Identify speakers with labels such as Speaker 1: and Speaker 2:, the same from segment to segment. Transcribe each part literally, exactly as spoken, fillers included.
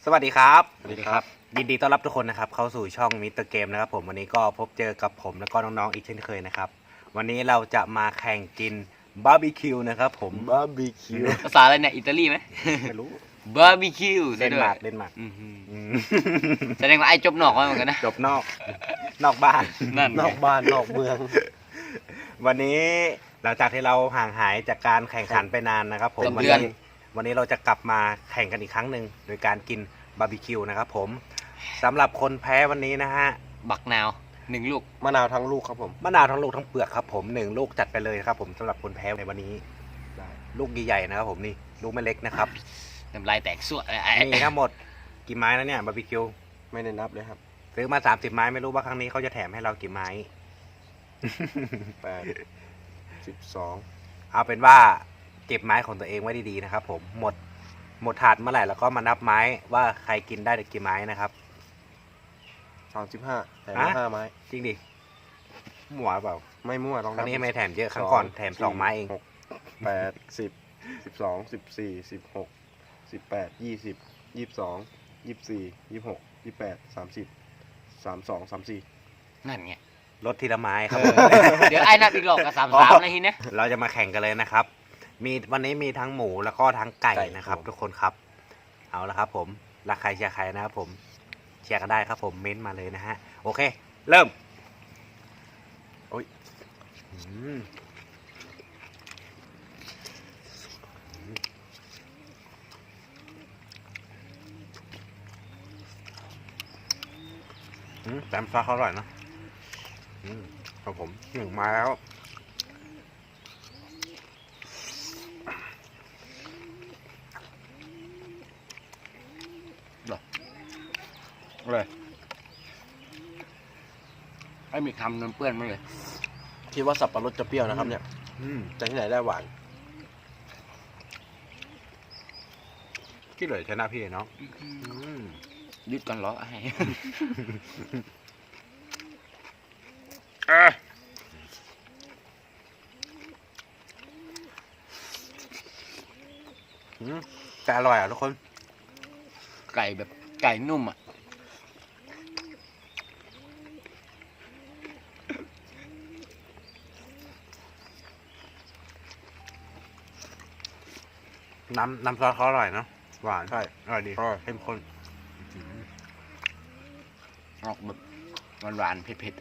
Speaker 1: สวัสดีครับ
Speaker 2: สวัสดีครับ
Speaker 1: ยินดีต้อนรับทุกคนนะครับเข้าสู่ช่องมิสเตอร์เกมนะครับผมวันนี้ก็พบเจอกับผมและก็น้องๆอีกเช่นเคยนะครับวันนี้เราจะมาแข่งกินบาร์บีคิวนะครับผม
Speaker 2: บาร์บีคิว
Speaker 3: ภาษาอะไรเนี่ยอิตาลีไหม
Speaker 1: ไม่รู้
Speaker 3: บาร์บีคิว
Speaker 1: เดนมาร์กเดนมาร์ก
Speaker 3: อื้อหือ
Speaker 1: อืม
Speaker 3: แสดงว่าไอ้จบนอกมาเหมือนกันนะ
Speaker 1: จบนอก นอกบ้าน
Speaker 3: นั่น
Speaker 2: นอกบ้านนอกเมือง
Speaker 1: วันนี้หลังจากที่เราห่างหายจากการแข่งขันไปนานนะครับผม
Speaker 3: เป็น
Speaker 1: วัน
Speaker 3: เดือน
Speaker 1: นี้วันนี้เราจะกลับมาแข่งกันอีกครั้งหนึ่งโดยการกินบาร์บีคิวนะครับผมสำหรับคนแพ้วันนี้นะฮะ
Speaker 3: บักนาวหนึ่งลูก
Speaker 2: มะนาวทั้งลูกครับผม
Speaker 1: มะนาวทั้งลูกทั้งเปลือกครับผมหนึ่งลูกจัดไปเลยครับผมสำหรับคนแพ้ในวันนี้
Speaker 2: ได้
Speaker 1: ลูกใหญ่ๆนะครับผมนี่ลูกไม่เล็กนะครับ
Speaker 3: น้ำลายแตกสวดเลยไอ้
Speaker 1: มีทั้งหมดกี่ไม้แล้วเนี่ยบาร์บีคิว
Speaker 2: ไม่ได้นับเลยครับ
Speaker 1: ซื้อมาสามสิบไม้ไม่รู้ว่าครั้งนี้เขาจะแถมให้เรากี่ไม้
Speaker 2: แปดสิบสอง
Speaker 1: เอาเป็นว่าเก็บไม้ของตัวเองไว้ดีๆนะครับผมหมดหมดถาดเมื่อไหร่แล้วก็มานับไม้ว่าใครกินได้กี่ไม้นะครับ
Speaker 2: สามสิบห้าแต่
Speaker 1: ฮะ
Speaker 2: ห้าไม้
Speaker 1: จริงดิหมัวเปล่า
Speaker 2: ไม่มั่วลอง
Speaker 1: ครั้
Speaker 2: นั
Speaker 1: ง
Speaker 2: บ
Speaker 1: นี้ไม่แถมเยอะครั้งก่อนแถมสองไม้เอง
Speaker 2: หกแปดสิบสิบสองสิบสี่สิบหกสิบแปดยี่สิบยี่สิบสองยี่สิบสี่ยี่สิบหกยี่สิบแปดสามสิบสามสองสามสี่
Speaker 3: นั่นไง
Speaker 1: ลดทีละไม้ครับ
Speaker 3: เดี๋ยวไอ้นับอีกรอบกับสามสามนะทีเนี้ย
Speaker 1: เราจะมาแข่งกันเลยนะครับ มีวันนี้มีทั้งหมูแล้วก็ทั้งไก่นะครับ ทุกคนครับ เอาละครับ ผมรักใครเชียร์ใครนะครับผมเชียร์กันได้ครับผมเม้นต์มาเลยนะฮะโอเค เริ่มโอ้ยอืมอืมแซมซ่าเขาอร่อยนะอืมครับผมหนึ่งมาแล้ว
Speaker 3: เลยไอ้มีคำนนเปื้อนมาเลย
Speaker 2: คิดว่าสับปะรดจะเปรี้ยวนะครับเนี่ย
Speaker 1: อืม
Speaker 2: แต่ที่ไหนได้หวาน
Speaker 1: กี่เลยชนะพี่เนาะอืม
Speaker 3: ยึดกันเหรอไอ้
Speaker 1: อืมแต่อร่อยอ่ะทุกคน
Speaker 3: ไก่แบบไก่นุ่มอ่ะ
Speaker 1: น้ำน้ำซอสเขาอร่อยเนาะหวาน
Speaker 2: ใช่
Speaker 1: อร่อยดี
Speaker 2: อร่อย
Speaker 1: เข้มข้น
Speaker 3: ออกแบบหวานๆเผ็ด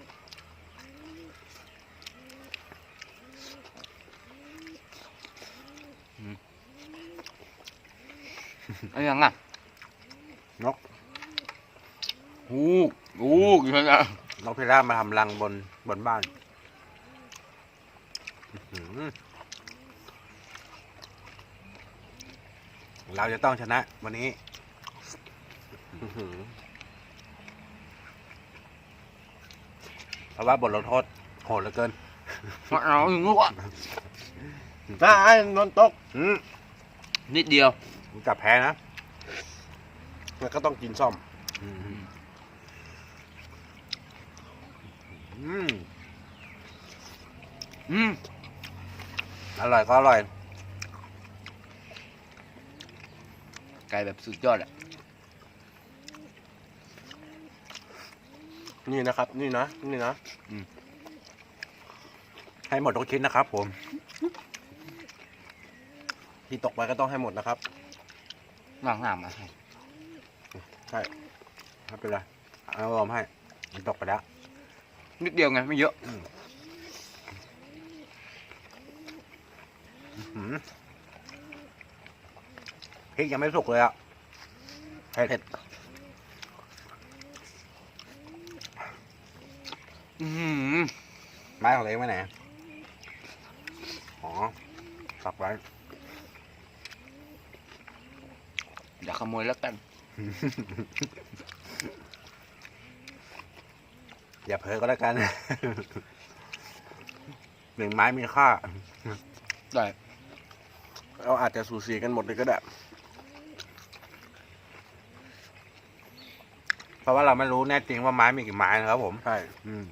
Speaker 3: ๆอืมเอะไรยังอ่ะ
Speaker 1: นก
Speaker 3: ฮูกฮูกอยู่นะ
Speaker 1: นกพิราบมาทำรังบนบนบ้านอื้อหือเราจะต้องชนะวันนี้
Speaker 2: อื้อหือ
Speaker 1: เพราะว่าบทลงโทษโหดเหลือเกิน
Speaker 3: มาเอาอย่างงูอ่ะ
Speaker 2: น่าไอ้นนตก
Speaker 1: อืม
Speaker 3: นิดเดียว
Speaker 1: มึงจับแพ้นะ
Speaker 2: มันก็ต้องกินซ่อม
Speaker 1: อืมอืม
Speaker 3: อืม
Speaker 1: อร่อยก็อร่อย
Speaker 3: ไก่แบบสุดยอดอ่ะ
Speaker 2: นี่นะครับ นี่นะนี่นะ
Speaker 1: ให้หมดทุกชิ้นนะครับผม
Speaker 2: ที่ตกไปก็ต้องให้หมดนะครับ
Speaker 3: ว่างหามมาให้
Speaker 2: ใช่
Speaker 1: ไม่เป็นไรเอาลมให้มันตกไปแล้ว
Speaker 3: นิดเดียวไงไม่เยอะ
Speaker 1: หืมพริกยังไม่สุกเลยอ่ะเผ็ด
Speaker 3: อืม
Speaker 1: ไม้ของเล็กไว้ไหนอ๋อตักไว้
Speaker 3: อย่าขโมยแล้วกัน
Speaker 1: อย่าเผลอก็แล้วกัน หนึ่งไม้มีค่า
Speaker 3: ได้
Speaker 2: เราอาจจะสูสีกันหมดเลยก็ได้
Speaker 1: เพราะว่าเราไม่รู้แน่จริงว่าไม้มีกี่ไม้นะครับผม
Speaker 2: ใช่
Speaker 1: อืม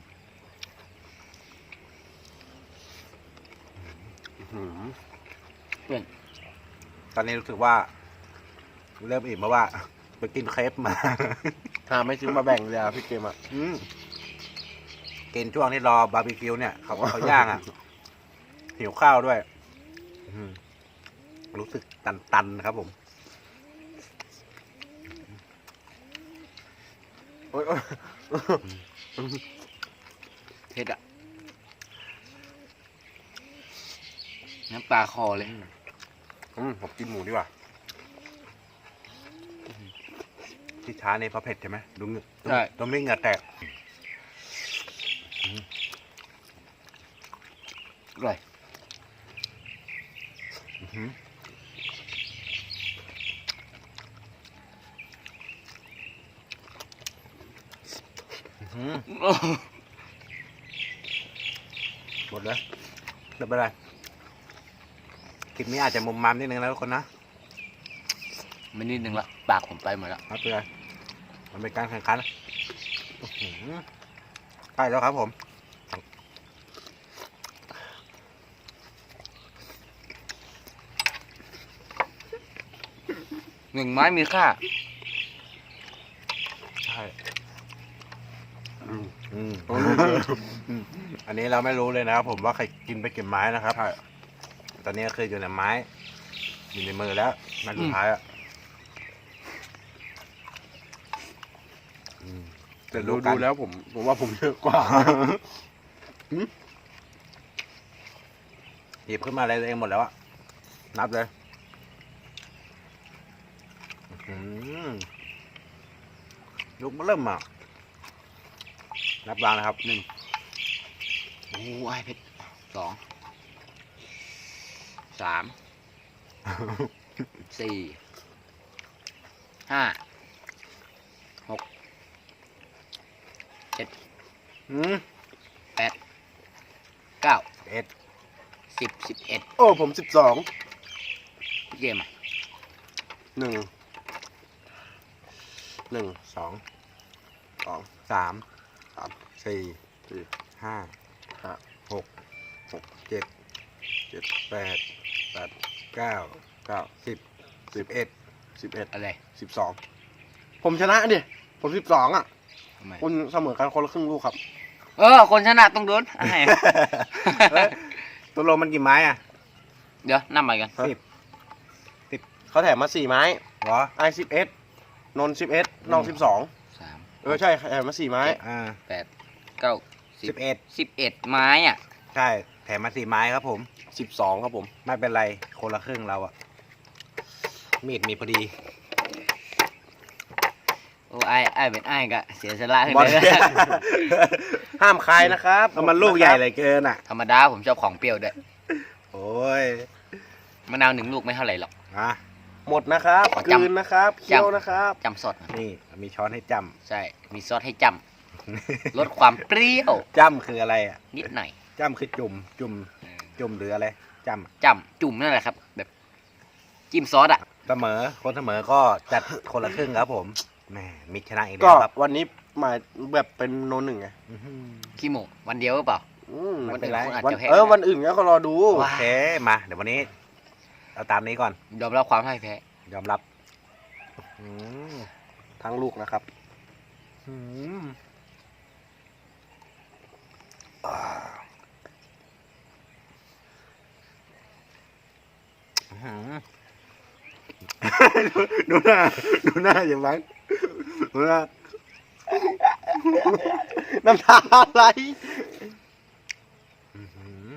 Speaker 2: อื้อหือ
Speaker 1: ตอนนี้รู้สึกว่า เริ่มอิ่มเพราะว่าไปกินเครปมา
Speaker 2: ถ้าไม่ซื้อมาแบ่งเลยอะพี่เกมอะ
Speaker 1: อืมกินช่วงที่รอบาร์บีคิวเนี่ยเขาเขาย่างอ่ะ หิวข้าวด้วย อืมรู้สึกตันๆนะครับผม
Speaker 2: โอ๊ยโอ๊ย
Speaker 3: เผ็ดอ่ะน้ำปลาคอเลย
Speaker 2: อืมผมกินหมูดีกว่า
Speaker 1: ที่ช้านี่เพราะเผ็ดใช่ไหมดูเหงือก
Speaker 3: ใช่
Speaker 1: ตัวไม่เหงื่อแตก
Speaker 3: อร่อย
Speaker 1: อื้อหืออื้อหือหมดเลยไม่เป็นไรคลิปนี้อาจจะมุมมามนิดนึงนะทุกคนนะ
Speaker 3: ไม่นิดนึงละปากผมไปหมดแล้ว
Speaker 1: ไม่เป็นไรมันเป็นการแข่งขันอื้อหือใกล้แล้วครับผม
Speaker 3: หนึ่งไม้มีค่า
Speaker 1: ใช่
Speaker 2: อืม
Speaker 1: อืม
Speaker 2: โอ้ย
Speaker 1: อืมอันนี้เราไม่รู้เลยนะครับผมว่าใครกินไปกี่ไม้นะครับ
Speaker 2: ใช่
Speaker 1: ตอนนี้คืออยู่ในไม้ อยู่ในมือแล้วไม้สุดท้ายอ่ะอืม
Speaker 2: แต่
Speaker 1: เยว
Speaker 2: ดู
Speaker 1: กั
Speaker 2: ดู
Speaker 1: น
Speaker 2: แล้วผมผมว่าผมเยอะกว่า
Speaker 1: หยิบขึ้นมาอะไรตัวเองหมดแล้วอะนับเลยอื้อหือลูกมันเริ่มอ่ะ นับวางนะครับหนึ่ง
Speaker 3: โอ้ยเผ็ดสอง สาม สี่ ห้า หก เจ็ด
Speaker 1: อืม
Speaker 3: แปด เก้า
Speaker 1: เอ็ด
Speaker 3: สิบ สิบเอ็ด
Speaker 2: โอ้ผมสิบสอง
Speaker 3: พี่เกมอ่ะ
Speaker 2: หนึ่งหนึ่ง
Speaker 1: สอง
Speaker 2: สอง
Speaker 1: สาม
Speaker 2: สาม
Speaker 1: สี่
Speaker 2: สี่
Speaker 1: ห้า
Speaker 2: ห้า
Speaker 1: หก
Speaker 2: หก
Speaker 1: เจ็ด
Speaker 2: เจ็ด
Speaker 1: แปด
Speaker 2: แปด
Speaker 1: เก้า
Speaker 2: เก้า
Speaker 1: สิบ
Speaker 2: สิ
Speaker 1: สิ
Speaker 2: บบ
Speaker 1: เอ็ด
Speaker 2: สิบเอ็ด
Speaker 3: อะไร
Speaker 2: สิบสองผมชนะดิผมสิบสองอ่ะ
Speaker 3: ทำไม
Speaker 2: คุณเสมอกันคนละครึ่งลูกครับ
Speaker 3: เออ คนชนะต้องโดนให้
Speaker 1: เฮ้ยตัวโลมันกี่ไม้อ่ะ
Speaker 3: เดี๋ยวนั่งไปกัน
Speaker 1: สิบ
Speaker 2: เขาแถมมาสี่ไม้
Speaker 1: เหรอ
Speaker 2: ไอสิบเอ็ดนนสิบเอ็ดน้องสิบสอง
Speaker 3: สาม
Speaker 2: เออใช่แถมมาสี่ไม้
Speaker 1: อ่า
Speaker 3: แปด เก้า สิ
Speaker 1: สิ
Speaker 3: บบ
Speaker 1: เอ็ด
Speaker 3: สิบเอ็ดไม้อ่ะ
Speaker 1: ใช่ แถมมาสี่ไม้ครับผม
Speaker 2: สิบสองครับผม
Speaker 1: ไม่เป็นไร คนละครึ่งเราอะมีดมีพอดี
Speaker 3: โอ้ไอ้ไอ้เป็นไอ้กะเสียสละขึ้น
Speaker 2: บอล
Speaker 3: เลย
Speaker 2: ห้ามคายนะครับ
Speaker 1: เอามันลูกใหญ่เลยเกินอ่ะ
Speaker 3: ธรรมดาผมชอบของเปรี้ยวด้วย
Speaker 1: โอ้ย
Speaker 3: มะนาวหนึ่งลูกไม่เท่าไหร่หรอก
Speaker 1: อ่ะ
Speaker 2: หมดนะครับ
Speaker 3: ขอก
Speaker 2: ลื
Speaker 3: จำ
Speaker 2: นนะครับเคี้ยวนะครับ
Speaker 3: จำสด
Speaker 1: นี่มีช้อนให้จ
Speaker 3: ใช่ มีซอสให้จำ ลดความเปรี้ยว
Speaker 1: ำ จำคืออะไรอ่ะ
Speaker 3: นิดหน่อย
Speaker 1: จำคือจุ่ม จุ่ม จุ่มหรืออะไร จ
Speaker 3: จำจุ่มนั่นแหละครับ แบบจิ้มซอสอ่ะ
Speaker 1: ำเสมอ คนเสมอก็จัดคนละครึ่งครับผมแหมมิกชนะอีก
Speaker 2: ก็
Speaker 1: แล้วครับ
Speaker 2: วันนี้หมายแบบเป็นโนหนึ่งไง
Speaker 1: อื้อหือ
Speaker 3: ขี้โมวันเดียวหรือเปล่า
Speaker 2: อืม
Speaker 1: ไม่เป็นไร
Speaker 3: วันอื่นคุณอาจ
Speaker 2: วัน
Speaker 3: จะแพ้
Speaker 2: เออวันอื่นก็รอดู
Speaker 1: โอเค มา เดี๋ยววันนี้ เอาตามนี้ก่อน
Speaker 3: ยอมรับความพ่ายแพ้
Speaker 1: ยอมรับอืม
Speaker 2: ทั้งลูกนะครับ
Speaker 1: อืมอ่าอื้อหือ ดูหน้า ดูหน้าอย่างไรดูหน้า
Speaker 2: น้ำตาไหล
Speaker 1: อื้อหือ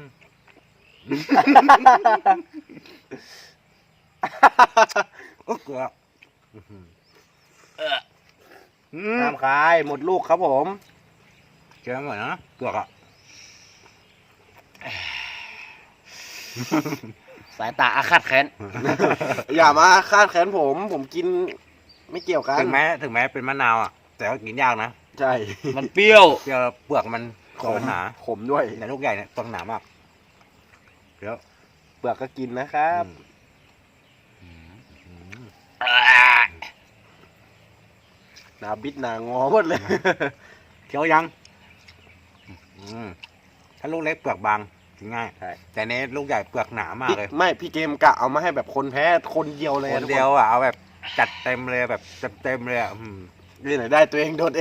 Speaker 1: โอ้เกลืออื้อหือ
Speaker 3: เออ
Speaker 1: อืม
Speaker 2: ห้ามคายหมดลูกครับผม
Speaker 1: เกลือหน่อยนะเกลือกอ่ะ
Speaker 3: สายตาอาฆาตแค้น
Speaker 2: อย่ามาคาดแขนผม ผมกินไม่เกี่ยวกัน
Speaker 1: ถึงแม้ถึงแม้เป็นมะนาวอ่ะ แต่ก็กินยากนะ
Speaker 2: ใช่
Speaker 3: มันเปรี้ยว
Speaker 1: เปรี้ยวเปลือกมันขมหนา
Speaker 2: ขมด้วย
Speaker 1: แต่ลูกใหญ่เนี่ยตัวหนามากเดี๋ยว
Speaker 2: เปลือกก็กินนะครับ
Speaker 1: อืมอืม
Speaker 2: หนาบิดหนางอหมดเลย
Speaker 1: เคี้ยวยังอืมถ้าลูกเล็กเปลือกบางกินง่าย
Speaker 2: ใช่
Speaker 1: แต่เนี้ลูกใหญ่เปลือกหนามากเลย
Speaker 2: พี่ไม่พี่เกมกะเอามาให้แบบคนแพ้คนเดียวเลย
Speaker 1: ค
Speaker 2: อะ
Speaker 1: น
Speaker 2: ทุก
Speaker 1: เดียวอ่ะเอาแบบจัดเต็มเลยแบบจัดเต็มเลยอ่ะอืม
Speaker 2: นี่ไหนได้ตัวเองโดนเอง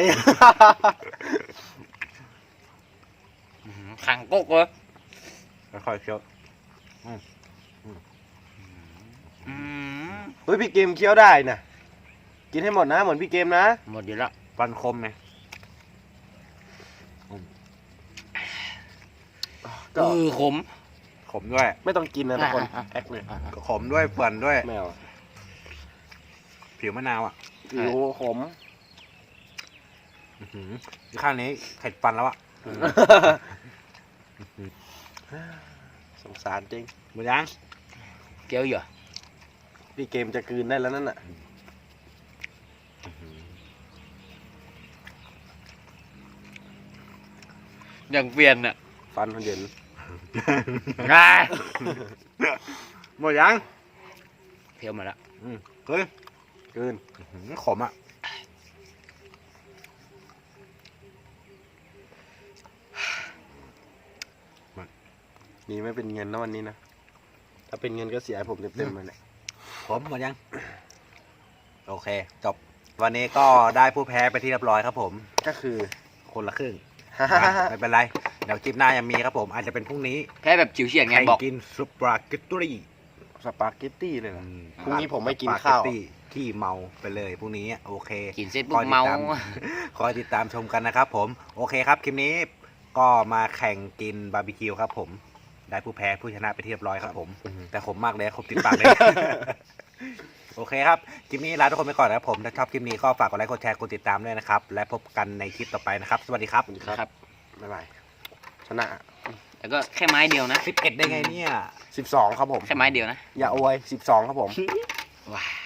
Speaker 3: ขังกุ๊กเลย
Speaker 1: ค่อยๆเคี้ยว
Speaker 3: อืม
Speaker 2: เฮ้ยพี่เกมเคี้ยวได้นะกินให้หมดนะเหมือนพี่เกมนะ
Speaker 3: หมดอยู่แล้ว
Speaker 1: ฟันคมไง
Speaker 3: เออขม
Speaker 1: ขมด้วย
Speaker 2: ไม่ต้องกินนะทุกคน
Speaker 3: อ่ะอ่ะ
Speaker 2: แอคเลย
Speaker 1: ขมด้วยเปื่อนด้วย
Speaker 2: แมว
Speaker 1: ผิวมะนาวอ่ะ
Speaker 2: ผิวขม
Speaker 1: อื้อหือข้างนี้เผ็ดฟันแล้วอ่ะ
Speaker 2: สงสารจริง
Speaker 1: หมดยัง
Speaker 3: เกี๊ยวอยู่
Speaker 2: พี่เกมจะกลืนได้แล้วนั่นน่ะ
Speaker 3: อย่างเปลี่ยนอ่ะ
Speaker 2: ฟันเย็น
Speaker 3: อ่า
Speaker 1: หมดยัง
Speaker 3: เที่ยวมาแล้ว
Speaker 1: อืมเฮ้ย
Speaker 2: กลืน
Speaker 1: อื้อหือขมอ่ะ
Speaker 2: นี่ไม่เป็นเงินนะวันนี้นะถ้าเป็นเงินก็เสียให้ผมเต็มๆเลยเนี่ย
Speaker 1: ขมหมดยัง โอเค จบ วันนี้ก็ได้ผู้แพ้ไปที่เรียบร้อยครับผม
Speaker 2: ก็คือ
Speaker 1: คนละครึ่ง ไม่เป็นไร เดี๋ยวคลิปหน้ายังมีครับผม อาจจะเป็นพรุ่งนี้
Speaker 3: แพ้แบบจิ๋วเฉียดไง
Speaker 1: ใคร
Speaker 3: บอก
Speaker 1: กินซุปปลาเกตตี้
Speaker 2: สปาเกตตี้เลยนะ
Speaker 1: อืม
Speaker 2: พรุ่งนี้ผมไม่กินข้าว
Speaker 1: สปเกตตี้ที่เมาไปเลยพรุ่งนี้โอเค
Speaker 3: กินเสร็จปุ๊บเมา
Speaker 1: คอยติดตามชมกันนะครับผม โอเคครับ คลิปนี้ก็มาแข่งกินบาร์บีคิวครับผม ได้ผู้แพ้ผู้ชนะไปที่เรียบร้อยครับผม แต่ขมมากเลยครบติดปากเลย โอเคครับ คลิปนี้ลาทุกคนไปก่อนนะครับผม ถ้าชอบคลิปนี้ก็ฝากกดไลค์ กดแชร์ กดติดตามด้วยนะครับ และพบกันในคลิปต่อไปนะครับ สวัสดีครับ
Speaker 2: สวัสดีครับ
Speaker 3: ครับ
Speaker 2: บ๊ายบายชนะ
Speaker 3: แล้วก็แค่ไม้เดียวนะ
Speaker 1: สิบเอ็ดได้ไงเนี่ย
Speaker 2: สิบสองครับผม
Speaker 3: แค่ไม้เดียวนะ
Speaker 2: อย่าอวยสิบสองครับผม
Speaker 3: ว้า